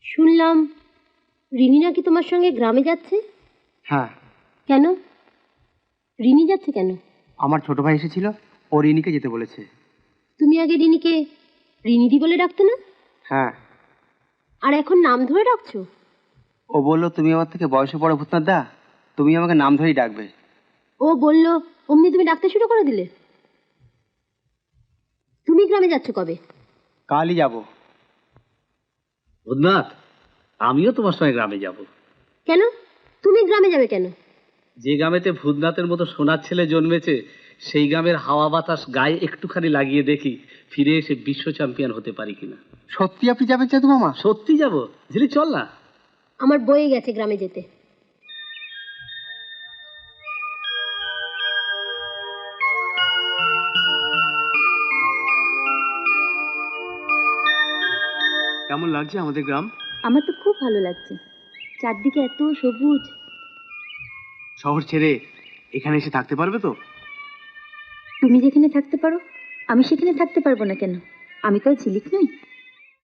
শুনলাম রিনি নাকি তোমার সঙ্গে গ্রামে যাচ্ছে। হ্যাঁ। কেন? রিনি যাচ্ছে কেন? আমার ছোট ভাই এসেছিল, ও রিনিকে যেতে বলেছে। তুমি আগে রিনিকে রিনিদি বলে ডাকতে না? হ্যাঁ। আর এখন নাম ধরে ডাকছো? ও বলল তুমি আমার থেকে বয়সে বড় ভূতনাথ দা, তুমি আমাকে নাম ধরেই ডাকবে। ও বলল অমনি তুমি ডাকতে শুরু করে দিলে। তুমি গ্রামে যাচ্ছ কবে? কালই যাব। ভূতনাথ, আমিও তোমার সঙ্গে গ্রামে যাব। কেন? তুমি গ্রামে যাবে কেন? যে গ্রামেতে ভূতনাথের মতো সোনার ছেলে জন্মেছে, সেই গ্রামের হাওয়া বাতাস গায়ে একটুখানি লাগিয়ে দেখি ফিরে এসে বিশ্ব চ্যাম্পিয়ন হতে পারি কিনা। সত্যি আপনি যাবেন চাঁদু মামা? সত্যি যাব। ঝিলিক চল না। আমার বয়ে গেছে গ্রামে যেতে। কেমন লাগছে আমাদের গ্রাম? আমার তো খুব ভালো লাগছে, চারদিকে এত সবুজ। শহর ছেড়ে এখানে এসে থাকতে পারবে তো? তুমি যেখানে থাকতে পারো আমি সেখানে থাকতে পারবো না কেন? আমি তো ঝিলিক নই।